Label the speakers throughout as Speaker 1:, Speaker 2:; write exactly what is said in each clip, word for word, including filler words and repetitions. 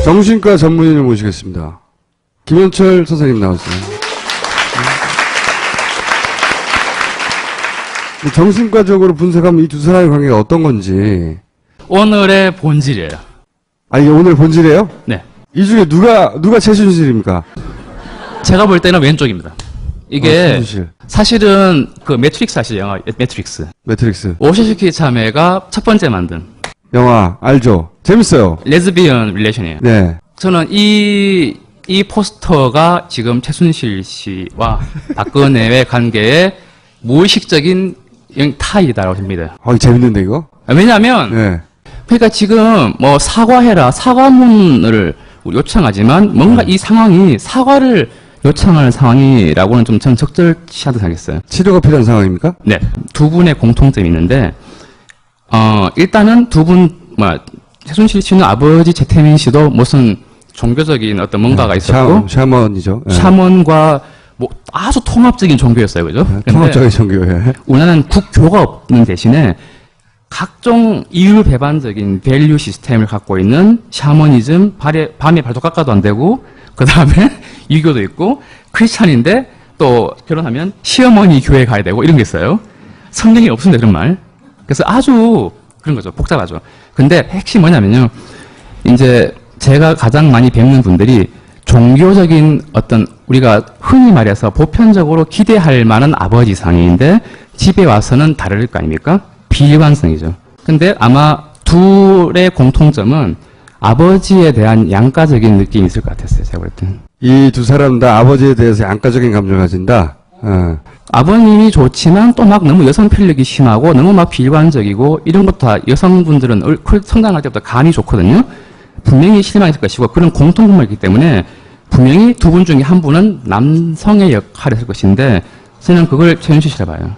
Speaker 1: 정신과 전문의를 모시겠습니다. 김현철 선생님 나오세요. 정신과적으로 분석하면 이 두 사람의 관계가 어떤 건지.
Speaker 2: 오늘의 본질이에요.
Speaker 1: 아, 이게 오늘 본질이에요?
Speaker 2: 네.
Speaker 1: 이 중에 누가, 누가 최순실입니까?
Speaker 2: 제가 볼 때는 왼쪽입니다. 이게
Speaker 1: 어, 최순실.
Speaker 2: 사실은 그 매트릭스 아시죠? 영화 매트릭스.
Speaker 1: 매트릭스.
Speaker 2: 오시시키 자매가 첫 번째 만든
Speaker 1: 영화, 알죠? 재밌어요.
Speaker 2: 레즈비언 릴레이션이에요.
Speaker 1: 네.
Speaker 2: 저는 이, 이 포스터가 지금 최순실 씨와 박근혜의 관계에 무의식적인 타이다라고 봅니다.
Speaker 1: 어, 재밌는데, 이거?
Speaker 2: 왜냐하면
Speaker 1: 네.
Speaker 2: 그러니까 지금 뭐 사과해라 사과문을 요청하지만 뭔가
Speaker 1: 네.
Speaker 2: 이 상황이 사과를 요청하는 상황이라고는 좀 전 적절치하다고 생각했어요.
Speaker 1: 치료가 필요한 상황입니까?
Speaker 2: 네, 두 분의 공통점이 있는데 어 일단은 두 분 뭐 최순실 씨는 아버지 재태민 씨도 무슨 종교적인 어떤 뭔가가
Speaker 1: 네,
Speaker 2: 있었고
Speaker 1: 샤, 샤먼이죠. 네.
Speaker 2: 샤먼과 뭐 아주 통합적인 종교였어요, 그죠?
Speaker 1: 네, 통합적인 종교에.
Speaker 2: 우리나라는 국교가 없는 대신에 각종 이율 배반적인 밸류 시스템을 갖고 있는 샤머니즘, 발에, 밤에 발도 깎아도 안 되고, 그 다음에 유교도 있고, 크리스찬인데 또 결혼하면 시어머니 교회 가야 되고 이런 게 있어요. 성경이 없습니다, 그런 말. 그래서 아주 그런 거죠. 복잡하죠. 근데 핵심이 뭐냐면요. 이제 제가 가장 많이 뵙는 분들이 종교적인 어떤 우리가 흔히 말해서 보편적으로 기대할 만한 아버지상인데 집에 와서는 다를 거 아닙니까? 비일관성이죠. 근데 아마 둘의 공통점은 아버지에 대한 양가적인 느낌이 있을 것 같았어요. 제가 볼 때.
Speaker 1: 이 두 사람 다 아버지에 대해서 양가적인 감정을 가진다. 어.
Speaker 2: 아버님이 좋지만 또 막 너무 여성 필력이 심하고 너무 막 비일관적이고 이런 것도 다 여성분들은 성장할 때부터 감이 좋거든요. 분명히 실망했을 것이고 그런 공통분모가 있기 때문에 분명히 두 분 중에 한 분은 남성의 역할을 했을 것인데 저는 그걸 최순실 씨라 봐요.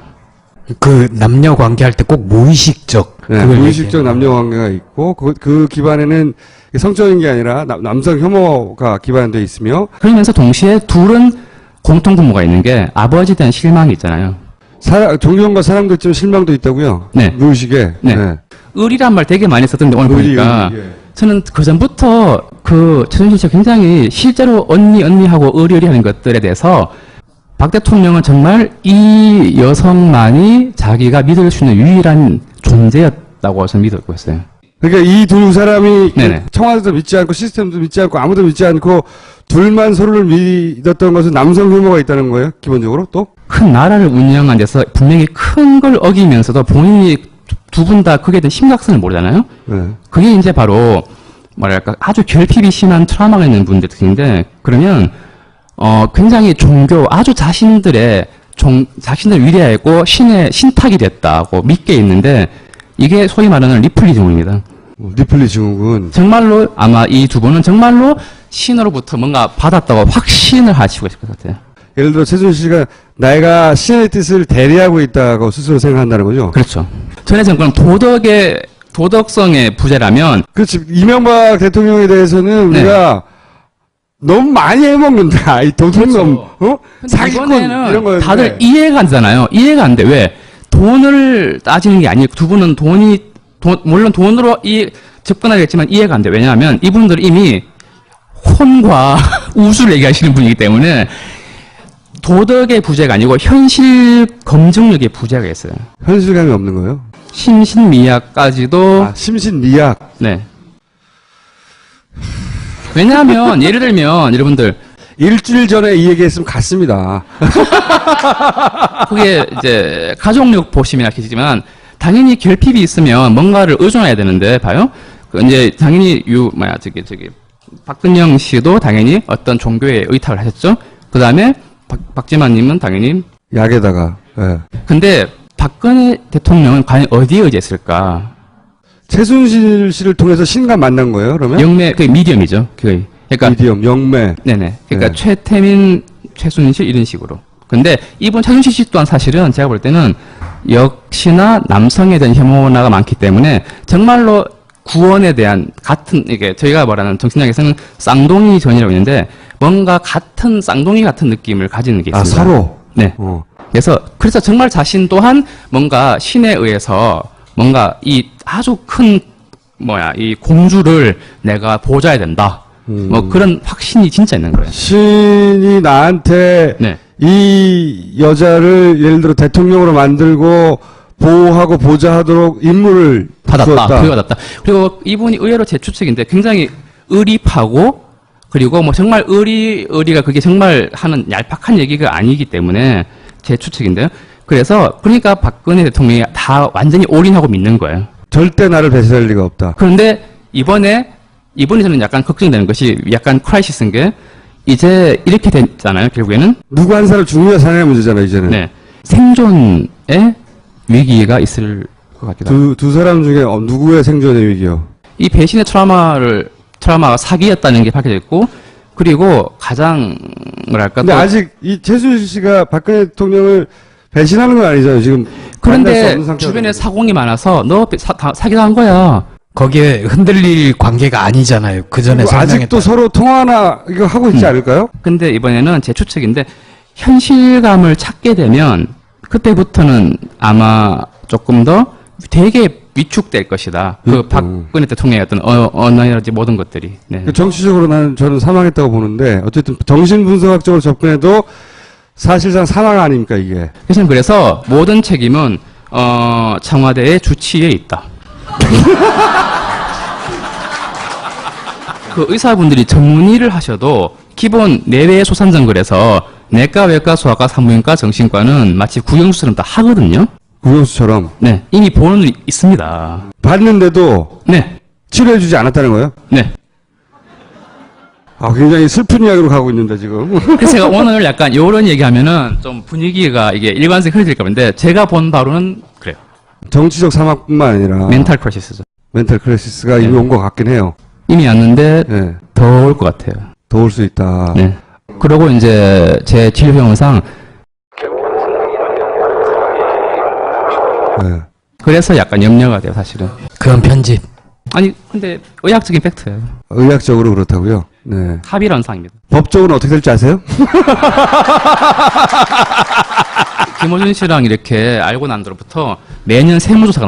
Speaker 3: 그 남녀 관계할 때 꼭 무의식적
Speaker 1: 네, 무의식적 남녀 관계가 있고 그, 그 기반에는 성적인 게 아니라 남, 남성 혐오가 기반되어 있으며
Speaker 2: 그러면서 동시에 둘은 공통분모가 있는 게 아버지에 대한 실망이 있잖아요.
Speaker 1: 사랑, 존경과 사랑도 있지만 실망도 있다고요?
Speaker 2: 네.
Speaker 1: 무의식에.
Speaker 2: 네.
Speaker 1: 네.
Speaker 2: 의리란 말 되게 많이 썼던데 오늘
Speaker 1: 의리,
Speaker 2: 보니까
Speaker 1: 의리, 예.
Speaker 2: 저는 그 전부터 그 최순실 씨가 굉장히 실제로 언니 언니하고 의리의리하는 것들에 대해서 박 대통령은 정말 이 여성만이 자기가 믿을 수 있는 유일한 존재였다고 저는 믿고 있어요.
Speaker 1: 그러니까 이 두 사람이
Speaker 2: 네네.
Speaker 1: 청와대도 믿지 않고 시스템도 믿지 않고 아무도 믿지 않고 둘만 서로를 믿었던 것은 남성 혐오가 있다는 거예요? 기본적으로 또?
Speaker 2: 큰 나라를 운영하는 데서 분명히 큰 걸 어기면서도 본인이 두 분 다 그게 대한 심각성을 모르잖아요?
Speaker 1: 네.
Speaker 2: 그게 이제 바로 뭐랄까 아주 결핍이 심한 트라우마가 있는 분들 특징인데 그러면 어 굉장히 종교 아주 자신들의 종 자신들 위대하고 신의 신탁이 됐다고 믿게 있는데 이게 소위 말하는 리플리 증후입니다.
Speaker 1: 리플리 증후군.
Speaker 2: 정말로 아마 이 두 분은 정말로 신으로부터 뭔가 받았다고 확신을 하시고 있을 것 같아요.
Speaker 1: 예를 들어 최순실 씨가 내가 신의 뜻을 대리하고 있다고 스스로 생각한다는 거죠?
Speaker 2: 그렇죠. 전에 정권은 도덕의 도덕성의 부재라면
Speaker 1: 그렇지. 이명박 대통령에 대해서는
Speaker 2: 네.
Speaker 1: 우리가 너무 많이 해먹는다. 이 도둑놈,
Speaker 2: 그렇죠.
Speaker 1: 어? 사기꾼, 이런 거였는데.
Speaker 2: 다들 이해가 안 되잖아요. 이해가 안 돼. 왜? 돈을 따지는 게 아니고 두 분은 돈이 돈, 물론 돈으로 이 접근하겠지만 이해가 안 돼. 왜냐하면 이분들은 이미 혼과 우수를 얘기하시는 분이기 때문에 도덕의 부재가 아니고 현실 검증력의 부재가 있어요.
Speaker 1: 현실감이 없는 거예요?
Speaker 2: 심신미약까지도
Speaker 1: 아, 심신미약.
Speaker 2: 네. 왜냐하면 예를 들면 여러분들
Speaker 1: 일주일 전에 이 얘기했으면 갔습니다.
Speaker 2: 그게 이제 가족력 보시면 아시지만 당연히 결핍이 있으면 뭔가를 의존해야 되는데 봐요. 그 이제 당연히 유 뭐야 저기 저기 박근영 씨도 당연히 어떤 종교에 의탁을 하셨죠. 그 다음에 박지만님은 당연히
Speaker 1: 약에다가. 예.
Speaker 2: 근데 박근혜 대통령은 과연 어디에 의지했을까?
Speaker 1: 최순실 씨를 통해서 신과 만난 거예요, 그러면?
Speaker 2: 영매 그 미디엄이죠. 그 그러니까
Speaker 1: 미디엄, 영매.
Speaker 2: 네네. 그러니까
Speaker 1: 네.
Speaker 2: 최태민, 최순실 이런 식으로. 근데 이분 최순실 씨 또한 사실은 제가 볼 때는 역시나 남성에 대한 혐오나가 많기 때문에 정말로 구원에 대한 같은 이게 저희가 말하는 정신학에서는 쌍둥이 전이라고 있는데 뭔가 같은 쌍둥이 같은 느낌을 가지는 게
Speaker 1: 아,
Speaker 2: 있습니다.
Speaker 1: 서로?
Speaker 2: 네.
Speaker 1: 어.
Speaker 2: 그래서 그래서 정말 자신 또한 뭔가 신에 의해서 뭔가 이 아주 큰 뭐야 이 공주를 내가 보좌해야 된다.
Speaker 1: 음.
Speaker 2: 뭐 그런 확신이 진짜 있는 거예요.
Speaker 1: 신이 나한테
Speaker 2: 네.
Speaker 1: 이 여자를 예를 들어 대통령으로 만들고 보호하고 보좌하도록 임무를
Speaker 2: 받았다.
Speaker 1: 주었다.
Speaker 2: 부여받았다. 그리고 이분이 의외로 제 추측인데 굉장히 의리파고 그리고 뭐 정말 의리 의리가 그게 정말 하는 얄팍한 얘기가 아니기 때문에 제 추측인데요. 그래서 그러니까 박근혜 대통령이 다 완전히 올인하고 믿는 거예요.
Speaker 1: 절대 나를 배신할 리가 없다.
Speaker 2: 그런데 이번에 이번에 저는 약간 걱정되는 것이 약간 크라이시스인 게 이제 이렇게 됐잖아요. 결국에는
Speaker 1: 누구 한 사람 죽느냐 사느냐 문제잖아 이제는.
Speaker 2: 네. 생존의 위기가 있을 것 같기도 하고
Speaker 1: 두, 두 사람 중에 어, 누구의 생존의 위기요?
Speaker 2: 이 배신의 트라우마를 트라우마가 사기였다는 게 밝혀졌고 그리고 가장 뭐랄까
Speaker 1: 근데
Speaker 2: 또
Speaker 1: 아직 이 최순실 씨가 박근혜 대통령을 배신하는 건 아니잖아요. 지금 만날 수
Speaker 2: 그런데
Speaker 1: 없는 상태거든요.
Speaker 2: 주변에 사공이 많아서 너 사, 다, 사기당한 거야.
Speaker 3: 거기에 흔들릴 관계가 아니잖아요. 그 전에
Speaker 1: 그리고 아직도
Speaker 3: 설명했던.
Speaker 1: 서로 통화나 이거 하고 있지
Speaker 2: 음.
Speaker 1: 않을까요?
Speaker 2: 근데 이번에는 제 추측인데 현실감을 찾게 되면 그때부터는 아마 조금 더 되게 위축될 것이다. 그
Speaker 1: 음.
Speaker 2: 박근혜 대통령의 어떤 어, 언어라든지 모든 것들이. 네.
Speaker 1: 그 정치적으로 나는 저는 사망했다고 보는데 어쨌든 정신분석학적으로 접근해도 사실상 사망 아닙니까 이게?
Speaker 2: 그래서 그래서 모든 책임은 어, 청와대의 주치의에 있다. 그 의사분들이 전문의를 하셔도 기본 내외 소산정글에서 내과, 외과, 소아과, 산부인과, 정신과는 마치 국영수처럼 다 하거든요.
Speaker 1: 국영수처럼
Speaker 2: 네, 이미 보는 눈이 있습니다.
Speaker 1: 봤는데도
Speaker 2: 네,
Speaker 1: 치료해주지 않았다는 거예요?
Speaker 2: 네.
Speaker 1: 아 굉장히 슬픈 이야기로 가고 있는데 지금.
Speaker 2: 그래서 제가 오늘 약간 이런 얘기하면은 좀 분위기가 이게 일관성이 흐려질까 보는데 제가 본 바로는 그래요.
Speaker 1: 정치적 사망뿐만 아니라
Speaker 2: 멘탈 크라시스죠.
Speaker 1: 멘탈 크라시스가
Speaker 2: 네.
Speaker 1: 이미 온 것 같긴 해요.
Speaker 2: 이미 왔는데
Speaker 1: 네.
Speaker 2: 더 올 것 같아요.
Speaker 1: 더 올 수 있다.
Speaker 2: 네. 그리고 이제 제 진료병원상
Speaker 1: 네.
Speaker 2: 그래서 약간 염려가 돼요, 사실은.
Speaker 3: 그건 편집.
Speaker 2: 아니, 근데 의학적인 팩트예요.
Speaker 1: 의학적으로 그렇다고요? 네.
Speaker 2: 합의론상입니다.
Speaker 1: 법적으로 어떻게 될지 아세요?
Speaker 2: 김호준 씨랑 이렇게 알고 난 뒤로부터 매년 세무조사가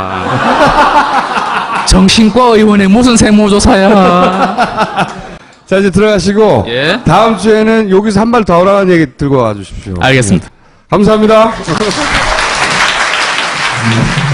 Speaker 2: 나옵니다. 정신과 의원의 무슨 세무조사야.
Speaker 1: 자 이제 들어가시고
Speaker 2: 예.
Speaker 1: 다음 주에는 여기서 한 발 더 하라는 얘기 들고 와주십시오.
Speaker 2: 알겠습니다.
Speaker 1: 네. 감사합니다.
Speaker 3: 음.